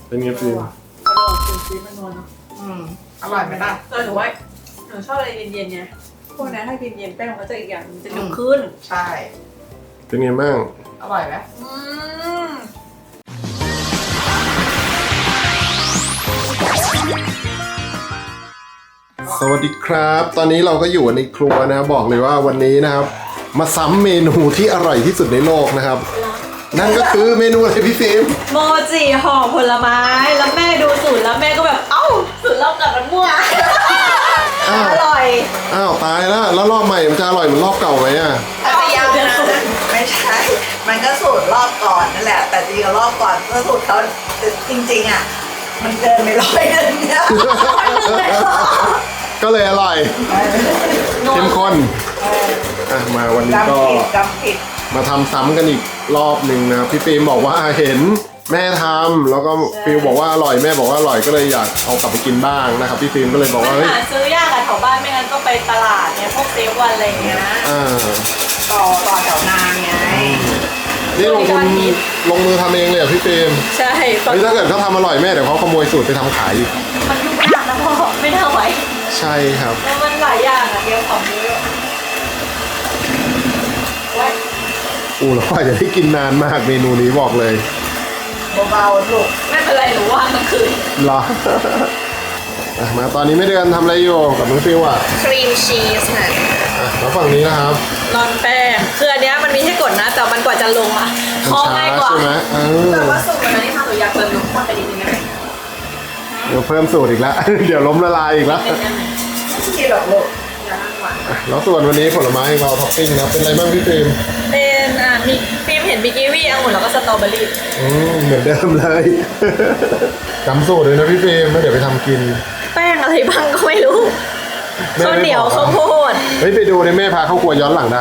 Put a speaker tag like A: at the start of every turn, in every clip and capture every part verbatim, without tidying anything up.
A: เป็นไงฟิล์ม
B: อร่อยเป็นซีมันนวลเนาะ
C: อืมอร่อยไหมล่ะ
B: เออหนูว่าหนูชอบอะไรเย็นๆไงพวกนั้นถ้ากินเย็นแป้งมันก็จะอีกอย่างมันจะหนึบขึ้น
C: ใช่
A: เป็นไงบ้าง
C: อร่อยไหม
B: อืม
A: สวัสดีครับ ตอนนี้เราก็อยู่ในครัวนะบอกเลยว่าวันนี้นะครับ มาซ้ำเมนูที่อร่อยที่สุดในโลกนะครับ นั่นก็คือเมนูอะไรพี่ฟิล์ม
B: โมจิห่อผลไม้แล้วแม่ดูสูตรแล้วแม่ก็แบบเอ้าสูตรเรากับมันมั่ว
A: อ้าว
B: อร่อย
A: อ้าวตายแล้วแล้วรอบใหม่มันจะอร่อยเหมือนรอบเก่าไหมอ่ะ
C: อาจจะยังนะไม่ใช่ มันก็สูตรรอบก่อนนั่นแหละ แต่จริงๆรอบก่อนก็สูตรเขาจริงๆอ่ะมันเกินไปร้อยนึงเนี่ย
A: ก็เลยอร่อยเข้มข้นอ่ะมาวันนี้ก็
C: จำผิดจำผิด
A: มาทำซ้ำกันอีกรอบหนึ่งนะครับพี่ฟิล์มบอกว่าเห็นแม่ทำแล้วก็ฟิลบอกว่าอร่อยแม่บอกว่าอร่อยก็เลยอยากเอากลับไปกินบ้างนะครับพี่ฟิล์มก็เลยบอก
B: มัน
A: ว่าเฮ้ย
B: หาซื้อยากอะแถวบ้านไม่งั้นก็ไปตลาดเนี่ยพวกเซเว่นอะไรอย่างเงี้ย
A: อ่า
C: ต่อต่อแถวนานไง
A: นี่ลงทุนลงมือทำเองเลยเหรอพี่ฟิล์ม
B: ใช่
A: เฮ้ยถ้าเกิดเขาทำอร่อยแม่เดี๋ยวเขาขโมยสูตรไปทำขายอีก
B: มันยุ่งยากนะพ่อไม่น่าไหว
A: ใช่ครับ
B: แล้วมันหลายอย่างอะเดียวของเยอะไว้
A: อู้แล้วก็จะได้กินนานมากเมนูนี้บอกเลย
C: เบาๆลูก
B: ไม่เป็นไรหนูว่างกลางคืน
A: เหรอ อ่ะมาตอนนี้ไม่เดือนทำอะไรอยู่กับน้องฟิวอ่ะ
C: ครีมชีสน่ะ
A: อ่ะแล้วฝั่งนี้นะครับ
B: นอนแป้งคืออันเนี้ยมันมีให้กดนะแต่มันกว่าจะลงอะ
A: มัน
B: ข้อ
A: ช้า
B: ง่ายกว่า
A: ใช่ไหมเออ
B: แต่ว่าสูตรวันนั้นที่ทำหนูอยากเติมนมข้นไปนิดนึงได้ไหม
A: เดี๋ยวเพิ่มสูตรอีกแล้ว เดี๋ยวล้มละลายอีกแล้ว
B: เป็นยังไง
C: ไม่กินหรอกลูก
B: อย่านั่งหวาน
A: อ่ะแล้วส่วนวันนี้ผลไม้ของเราท็อปปิ้งนะเป็นอะไรบ้างพี่ฟิล์ม
B: เป็นอ่ะมีฟิล์มเห็นบิกิวี่องุ่นแล้วก็สตรอเบอรี่
A: อืมเหมือนเดิมเลย จำสูตรเลยนะพี่ฟิล์มแล้วเดี๋ยวไปทำกิน
B: แป้งอะไรบ้างก็ไม่รู้
A: แม่
B: ข้าว
A: ไม่
B: เหนียว
A: บอก
B: ข้าวโพด
A: เฮ้ยไปดูในแม่พาเข้าครัวย้อนหลังได้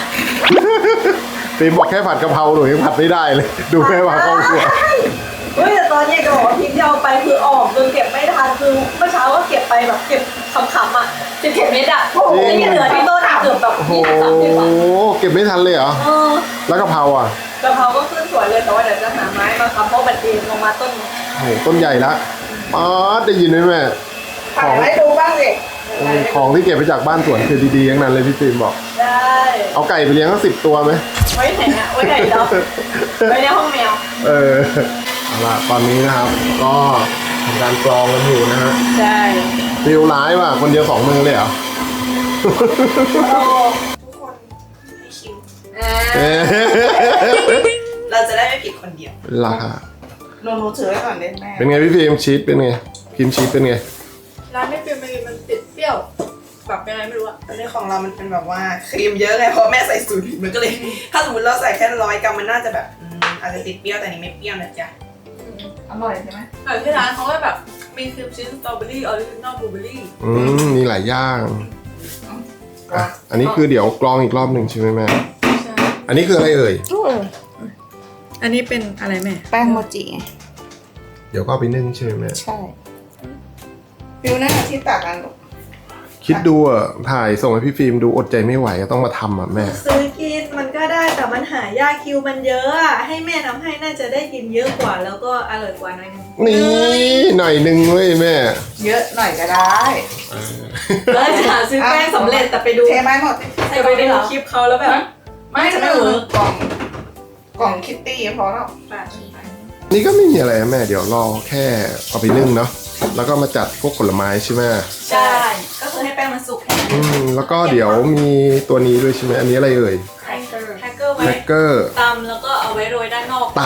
A: ฟิล์มบอกแค่ผัดกะเพราหนูยังผัดไม่ได้เลย ดูแม่พาเข้าครัว
B: เฮ้ยแต่ตอนนี้จะบอกว่าพิมพ์ที่เอาไปคือออกจนเก็บไม่ทันคือเมื่อเช้าก็เก็บไปแบบเก็บขำๆอ่ะสิบเจ็ดเม็ดอ่ะโอ้โห
A: จริง
B: เหลือที่ต้นอะเกือบแบบ
A: โอ้โห
B: ยี่สิบสามสิบอ่ะ
A: เก็บไม่ทันเลยเหรอ
B: เออ
A: แล้วกะเพราอ่ะ
B: กะเพราก็ขึ้นสวยเลยแต่ว่าเดี๋ยวจะหาไม้มาค้ำเพราะมันเองลงมาต้น
A: โอ้โหต้นใหญ่ละอ๋อได้ยินไหมแม่
C: ถ่ายให้ดูบ้างสิ
A: ของที่เก็บไปจากบ้านสวนคือดีๆทั้งนั้นเลยพี่ฟิล์มบอก
B: ได้
A: เอาไก่ไปเลี้ยงสักสิบตัวไหม
B: ไว้ไหนอ่ะไว้ไหนเนาะไว้ในห้องแมว
A: เออเอาล่ะตอนนี้นะครับ ก็ทำการกรองกันอยู่นะฮะ
B: ใช่
A: ฟิลร้ายว่ะคนเดียวสองมือเลยเหรอ
B: โอ้
C: ทุกคนให้ชิม
B: อ่า
A: เอ๊ะ
C: เราจะได้ไม่ผิดคนเดียว
A: ล่ะ
C: หนูหนูถือไว้ก่อนได้แม่
A: เป็นไงพี่ฟิล์มชีสเป็นไงพิมพ์ชีสเป็นไง
B: ร้านไม่ฟิล์มมันมันติดเปรี้ยวแบบยังไงไม่รู้อะ
C: อันนี้ของเรามันเป็นแบบว่าครีมเยอะไงเพราะแม่ใส่สูตรผิดมันก็เลย ถ้าสมมติเราใส่แค่ร้อยกรัมมันน่าจะแบบอืมอาจจะติดเปรี้ยวแต่อันนี้ไม่เปรี้ยวนะจ๊ะอร่อยใช่ไหม
B: แต่ที่ร้านเขาก็แบบมีครีมชีสสตรอเบอรี่ออริจินอลบลูเบอรี่
A: อืมมีหลายอย่างอ่ะอันนี้คือเดี๋ยวกรองอีกรอบหนึ่งใช่ไหมแม่
B: ใช่
A: อันนี้คืออะไรเอ่ย
B: อันนี้เป็นอะไรแม่
C: แป้งโมจิไง
A: เดี๋ยวก็เอาไปนึ่งใช่ไหมแม่
C: ใช่ฟิวหน้าที่ตักกันลูก
A: คิดดูอ่ะถ่ายส่งให้พี่ฟิล์มดูอดใจไม่ไหวอะต้องมาทำอ่ะแม่
B: ซื้อกินมันก็ได้แต่มันหายากคิวมันเยอะอะให้แม่ทำให้น่าจะได้กินเยอะกว่าแล้วก็อร่อยกว่าหน่อยนึง
A: นี่หน่อยหนึ่งเว้ยแม่
C: เยอะหน่อยก็ได้
B: แล้วจะหาซื้อแป้งสำเร็จแต่ไปดู
C: เทไม้หมด
B: จะไปดูคลิปเขาแล้วแบบ
C: ไม่จะไม่เวิร์กกล่องกล่องคิตตี้พอแล้ว
A: นี่ก็ไม่มีอะไรนะแม่เดี๋ยวรอแค่เอาไปนึ่งเนาะแล้วก็มาจัดพวกผลไม้ใช่ไหม
B: ใช่ก็คือให้แป้งมันสุกแค่นั้น
A: อืมแล้วก็เดี๋ยวมีตัวนี้ด้วยใช่ไหมอันนี้อะไรเอ่ย
B: แฮกเกอร์แฮกเกอร์ไว้
A: แครกเกอร์
B: ตำแล้วก็เอาไว้โรยด้านนอก
A: ต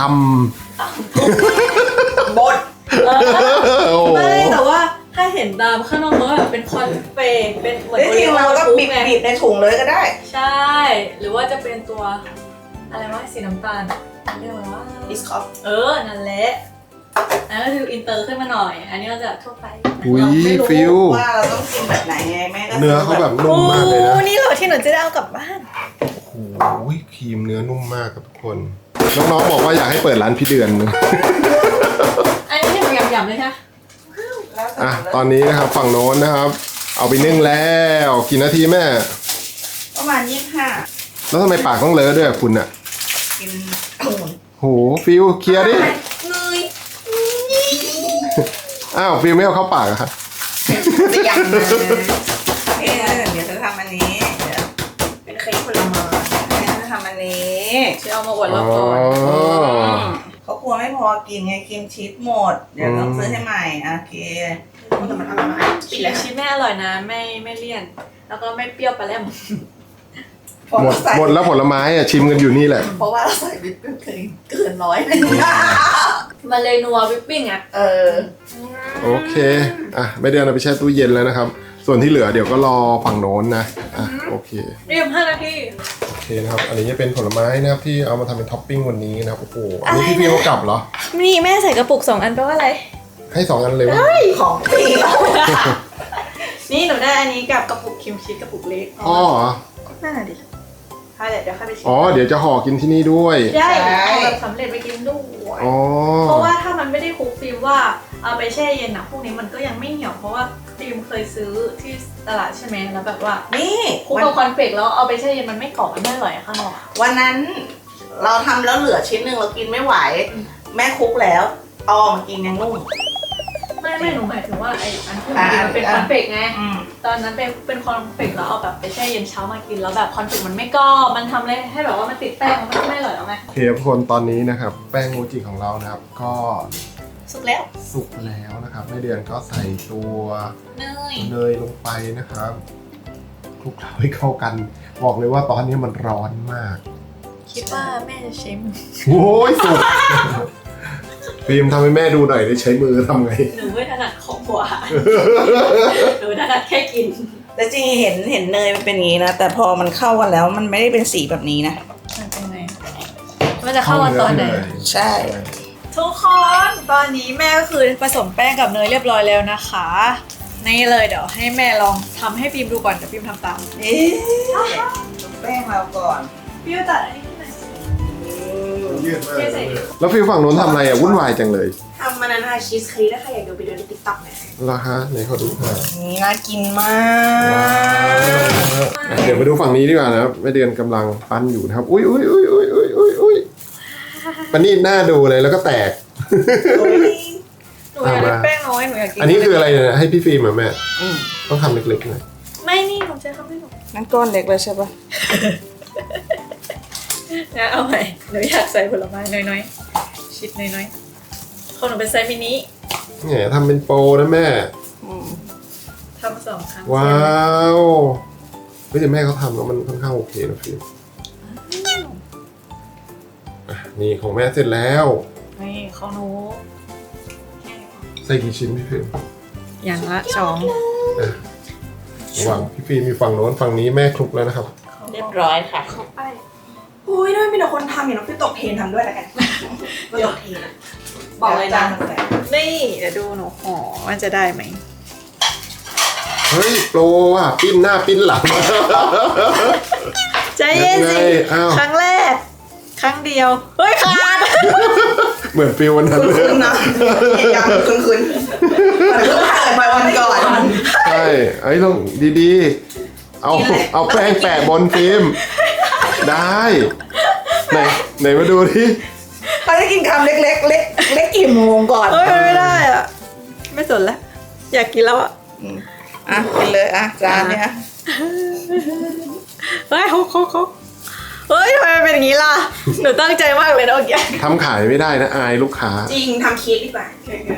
C: บด
B: เออ
A: ำโอ้โห
B: ไม่แต่ว่าถ้าเห็นตามข้างนอกมันก็แบบเป็นคอนเฟกเป็นเหมือน
C: จริงๆเราก็บีบ
B: ไง
C: บีบในถุงเลยก็ได้
B: ใช่ หรือว่าจะเป็นตัวอะไรวะสีน้ำตาลเรียกว่า
C: บิสคอฟ
B: เออนั่นแหละอันนั้นก็คืออินเตอร์ขึ้นมาหน่อย อันนี้ก็จะทั่วไป
A: อุ้ย
B: เราไม่รู้
A: ฟิล
C: ว่าเราต้องกินแบบไหนไงแม่ก็
A: เนื้อเขาแบบนุ่
B: โอ้
A: มมากเลยนะ
B: นี่เหรอที่หนูจะได้เอากลับบ้าน
A: โอ้ยครีมเนื้อนุ่มมากครับทุกคน น้องๆบอกว่าอยากให้เปิดร้านพี่เดือนนึง
B: อันนี้ที่หนูยำๆเลยค่ะ
C: แล้วแต่
A: อ่ะ
C: เลย
A: ตอนนี้นะครับฝั่งโน้นนะครับ เอาไปนึ่งแล้วกี่นาทีแม่
C: ประมาณยี่สิบห้า
A: แล้วทำไมปากต้องเลอะด้วยอะคุณอะ
C: กินองุ่น
A: โหฟิลเคลียร์ดิ
B: เนย
A: อ้าวฟิล์มไม่เอาเข้าปากอะครับ
C: จะยังนะเออเดี๋ยวจะทำอันนี้เดี๋ยวเป็นเค้กผลไม้เดี๋ยวจะทำอันนี้
B: ที่เอามาอวดเราก่อน
C: เขากลัวไม่พอกินไงครีมชีสหมดเดี๋ยวต้องซื้อให้ใหม่โอเคแต่มันอร่อยมาก
B: ชีสชีสแม่อร่อยนะไม่ไม่เลี่ยน แล้วก็ไม่เปรี้ยวปลาแหลม
A: หมดหมดแล้วผลไม้อะชิมกันอยู่นี่แหละ
C: เพราะว่าเราใส่วิปปิ้งครีมเกินร้อยเลย
B: มันเลยนัววิปปิ้งอ่ะ
C: เออ
A: โอเคอ่ะไม่เดือนเอาไปแช่ตู้เย็นแล้วนะครับ ส่วนที่เหลือเดี๋ยวก็รอฝั่งโน้นนะอ่ะโอเค
B: เรียบห้านาที
A: โอเคนะครับอันนี้จะเป็นผลไม้นะครับที่เอามาทำเป็นท็อปปิ้งวันนี้นะครับโอ้โหอันนี้พี่ฟิล์มเอากลับเหรอ
B: นี่แม่ใส่กระปุกสองอันแปลว่าอะไร
A: ให้สองอันเลยวะ
C: ของฟรี
B: นี่หนูได้อันนี้กับกระปุกครีมชีสกระปุกเล็ก
A: อ๋อเหรอ
B: นั่นน่ะดิถ้าเดี๋ยวเดี๋ยวค่อยไปชิม
A: อ๋อเดี๋ยวจะห่อกินที่นี่ด้วย
B: ได้เอาแบบสำเร็จไปกินด้วย
A: อ๋อ
B: เพราะว่าถ้ามันไม่ได้คลุกฟิล์มว่าเอาไปแช่เย็นอะพวกนี้มันก็ยังไม่เหี่ยวเพราะว่าฟิล์มเคยซื้อที่ตลาดใช่ไหมแล้วแบบว่า
C: นี่
B: คลุกกับคอนเฟกต์แล้วเอาไปแช่เย็นมันไม่กรอบมันไม่อร่อยอะข้างนอกอะ
C: วันนั้นเราทำแล้วเหลือชิ้นหนึ่งเรากินไม่ไหว แม่คุกแล้วเอามากินยังนุ่ม
B: ไม่ไม่หนูหมายถึงว่าไอ้อันที่มันกินมันเป็นคอนเฟกต์ไง
C: อืม
B: ตอนนั้นเป็นเป็นคอนเฟกต์แล้วเอาแบบไปแช่เย็นเช้ามากินแล้วแบบคอนเฟกต์มันไม่กรอบมันทำเลยให้แบบว่ามันติดแป้งมันก็ไม่อร่อยแล้วไง
A: โอเคทุกคนตอนนี้นะครับ แป้งโมจิของเรานะครับ ก็
B: สุกแล้ว
A: สุกแล้วนะครับแม่เดือนก็ใส่ตัว
B: เนย
A: เนยลงไปนะครับคลุกเคล้าให้เข้ากัน บอกเลยว่าตอนนี้มันร้อนมาก
B: คิดว่าแม่จะใช้มือ
A: โอ้ยสุก ฟิล์มทำให้แม่ดูหน่อยได้ใช้มือทำไง
B: หนูไม่ถนัดของหวานหนูถนัดแค่กิน
C: แต่จริงเห็นเห็นเนยมันเป็นอย่างนี้นะ แต่พอมันเข้ากันแล้วมันไม่ได้เป็นสีแบบนี้นะ
B: มันเป็นไงมันจะเข้ากันตอนไหน
C: ใช่
B: ทุกคนตอนนี้แม่ก็คือผสมแป้งกับเนยเรียบร้อยแล้วนะคะนี่เลยเดี๋ยวให้แม่ลองทำให้พิมดูก่อนเดี๋ยวพิมทำตาม
C: นี่แป้งเราก่อน
B: พิมตัดอันนี้ให้หน่อยสิ
A: ยืดมากแล้วฟิล์มฝั่งโน้นทำอะไรอ่ะวุ่นวายจังเลย
C: ทำมันนะคะชีสเค้กถ้าใครอยากดูไปดูในติ๊กต็อกนะ
A: ราคาไหนขอดูหน่อย
C: นี่น่ากินมาก
A: เดี๋ยวมาดูฝั่งนี้ดีกว่านะครับแม่เดือนกำลังปั้นอยู่นะครับอุ้ยอุ้ยอุ้ยอุ้ยอุ้ยอุ้ยอุ้ยปันนี่หน้าดูเลยแล้วก็แตก
B: หนูอยากได้แป้งน้อยหนูอยากกิน
A: อันนี้คืออะไรเนี่ยให้พี่ฟิล์มเหรอแม่
C: อืม
A: ต้องทำเล็กๆหน่อย
B: ไม่นี่หนูจะทำให้หนู
C: นั่นก้อนเล็กเลยใช่ปะ
B: นะเอาใหม่หนูอยากใส่ผลไม้น้อยๆชิดน้อยๆของหนูเป็นไซส์มินิ
A: แหมทำเป็นโปรนะแม่
C: อืม
B: ทำสองครั้ง
A: ว้าวเฮ้ยแต่แม่เขาทำแล้วมันค่อนข้างโอเคนะฟิล์มอ่ะนี่ของแม่เสร็จแล้ว
B: นี่ของหนู
A: ใส่กี่ชิ้นพี่ฟิล์ม
B: อย่างละสอง
A: อ่ะระหว่างพี่ฟิล์มมีฝั่งโน้นฝั่งนี้แม่คลุกแล้วนะครับ
C: เรียบร้อยค่ะ
B: เข้าไป
C: อุ้ยด้วยมีแต่คนทำอย่างน้องพี่ตกเทรนทำด้วยแล้วกันพี่ตกเทรนบอกเลยนะ
B: นี่เดี๋ยวดูหนูห่อมันจะได้ไหม
A: เฮ้ยโปรว่ะปิ้นหน้าปิ้นหลัง
B: ใจเย็นสิ
A: ยังไงอ้าว
B: ครั้งแรก ครั้งเดียว เฮ้ยขาด
A: เหมือนฟิลวันนั้นเลย
C: คุณนะเหตุการณ์คุณคุณมันเพิ่งผ่านไปวันก่อน
A: ใช่ไอ้ลองดีๆ เอาเอาแป้งแปะบนฟิล์มได้ ไหนไหนมาดูที่
C: เขาจะกินคำเล็กๆเล็กเล็กกี่โมงก่อน
B: เฮ้ยไม่ได้อ่ะ ไม่สนแล้ว อยากกินแล้วอ่ะ
C: อ่ะกินเลยอ่ะจานเนี้ย
B: เฮ้ยเขาเขาเขาเฮ้ยทำไมมันเป็นอย่างนี้ล่ะ หนูตั้งใจมากเลยนะโอเค
A: ทำขายไม่ได้นะอายลูกค้า
C: จริงทำเค้กดีกว่า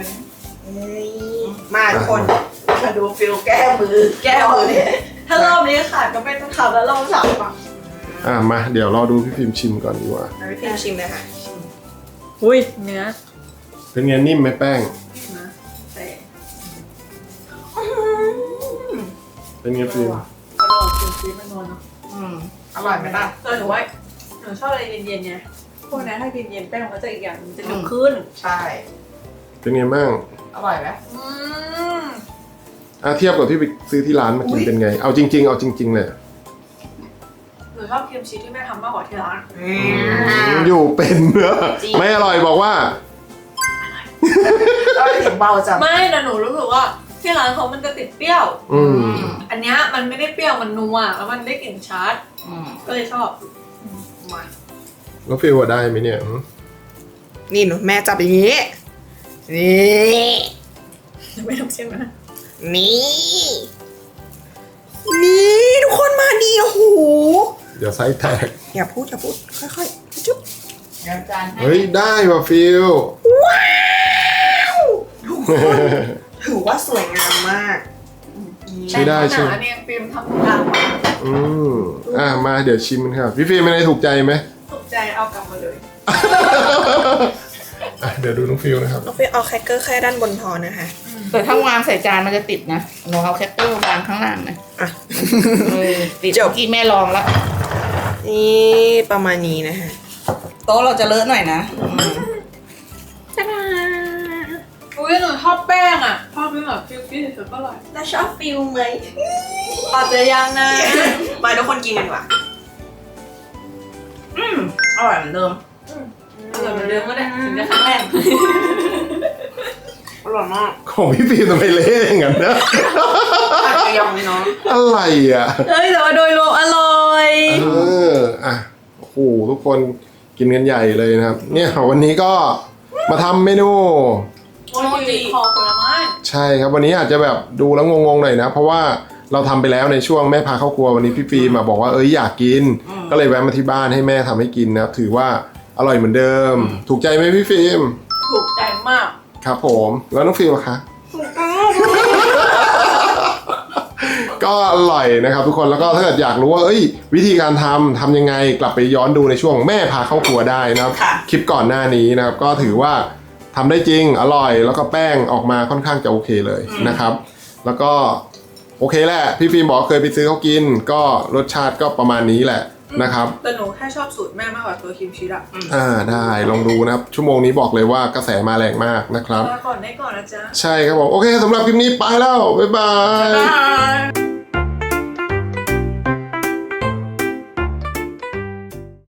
C: มาทุกคนมาดูฟิลแก้มือ แก้มือเนี่ย
B: ถ้ารอบนี้ขาดก็ไม่ต้องทำแล้วรอบสามอ่ะ
A: อ่ะมาเดี๋ยวรอดูพี่ฟิล์มชิมก่อนดีกว่า
C: เราไปพิมพ์ชิมเลยค่ะ
B: อุ้ยเนื้อ
A: เป็นไงนิ่มไหมแป้ง
B: นะแต่
A: เป็นไงฟิล์ม
B: กระโดดกินซีมันนวลเนาะ
C: อืมอร่อยไหมล่ะ
B: เออหนูว่าหนูชอบอะไรเย็นๆไงพวกนั้นถ้ากินเย็นแป้งมันก็จะอีกอย่างมันจะหนึบขึ้น
C: ใช่
A: เป็นไงบ้าง
C: อร่อยไหม
B: อืม
A: อ่ะเทียบกับที่ไปซื้อที่ร้านมากิน
C: อุ๊ย
A: เป็นไง เอาจริง ๆ เอาจริง ๆ เลย
B: หนูชอบครีมชีสที่แม่ทำมากกว่าที่ร้าน
A: อยู่เป็นเนอะไม่อร่อยบอกว่า
C: อร่อยเสียงเบาจัง
B: ไม่แต่หนูรู้สึกว่าที่ร้านเขามันจะติดเปรี้ยว
A: อืม
B: อันเนี้ยมันไม่ได้เปรี้ยวมันนัวแล้วมันได้กลิ่นชัด
C: อืม
B: ก็เลยชอบมา
A: แล้วฟิลว่าได้ไหมเนี่ยหืม
C: นี่หนูแม่จับอย่างนี้ นี่
B: ไม่ต้องเชื่อนะ
C: นี่ นี่ทุกคนมาดีโอ้โห
A: เดี๋ยวไส้แตก
C: อย่าพูดอย่าพูดค่อยๆจุ๊บ
B: เดี๋ยวจานให้
A: เฮ้ยได้ว่ะฟิล
C: ว้าวทุกคนถือว่าสวยงามมาก
A: ใช้ได้ใช่ไหม
B: หนาเนี่ยฟิล์มทำทุกอย่างมา
A: อืมอ่ะมาเดี๋ยวชิมกันครับพี่ฟิล์มไม่ได้ถูกใจไหม
B: ถูกใจเอากลับมาเลย
A: อ่ะเดี๋ยวดูน้องฟิลนะครับ
C: น้องฟิลเอาแครกเกอร์แค่ด้านบนพอนะคะ
D: แต่ถ้าวางใส่จานมันจะติดนะหนูเอาแคปเตอร์วางข้างล่างนะ
C: อ่ะ
D: เออติด
C: จบ
D: เมื่อกี้แม่ลองแล้ว
C: นี่ประมาณนี้นะคะโต๊ะเราจะเลอะหน่อยนะจ้า
B: อุ้ยหนูชอบแป้งอ่ะชอบเป็นแบบฟิลฟิลสุดก็อร่อย
C: แล้วชอบฟิลไหม
B: อาจจะยังนะ
C: มาทุกคนกินกันดีกว่า
D: อืมอร่อยเหมือนเดิม
B: อร่อยเหมือนเดิมก็ได้ถึงจะครั้งแรก
C: อร่อยมาก
A: ของพี่ฟิล์มทำไมเละอย่างนั้นนะ
C: ผัดกระยองนี่เนาะ
A: อะไรอ่ะ
B: เฮ้ยแต่ว่าโดยรวมอร่อย
A: เอออ่ะโอ้โหทุกคนกินกันใหญ่เลยนะครับ เนี่ยวันนี้ก็มาทำเมนู
B: โมจิคอผลไม้
A: ใช่ครับวันนี้อาจจะแบบดูแล้วงงๆหน่อยนะ เพราะว่าเราทำไปแล้วในช่วงแม่พาเข้าครัววันนี้พี่ฟิล์มมาบอกว่าเอ้ยอยากกิน ก็เลยแวะมาที่บ้านให้แม่ทำให้กินนะครับถือว่าอร่อยเหมือนเดิม ถูกใจไหมพี่ฟิล์ม
B: ถูกใจมาก
A: ครับผมแล้วน้องฟิล์มล่ะคะ ก็อร่อยนะครับทุกคนแล้วก็ถ้าเกิดอยากรู้ว่าเอ้ยวิธีการทำทำยังไงกลับไปย้อนดูในช่วงแม่พาเข้าครัวได้นะครับ
C: ค่ะ
A: คลิปก่อนหน้านี้นะครับก็ถือว่าทำได้จริงอร่อยแล้วก็แป้งออกมาค่อนข้างจะโอเคเลยนะครับ แล้วก็โอเคแหละพี่ฟิล์มบอกเคยไปซื้อเขากิน ก็รสชาติก็ประมาณนี้แหละนะครับ
B: แต่หนูแค่ชอบสูตรแม่มากกว่าตัวครีมชีสอะ
A: อ่าได้ลองดูนะครับชั่วโมงนี้บอกเลยว่ากระแสมาแรงมากนะครับ
B: มาก่อนได้ก่อนนะจ๊ะ
A: ใช่ครับผมโอเคสำหรับคลิปนี้ไปแล้วบ๊ายบาย
C: บาย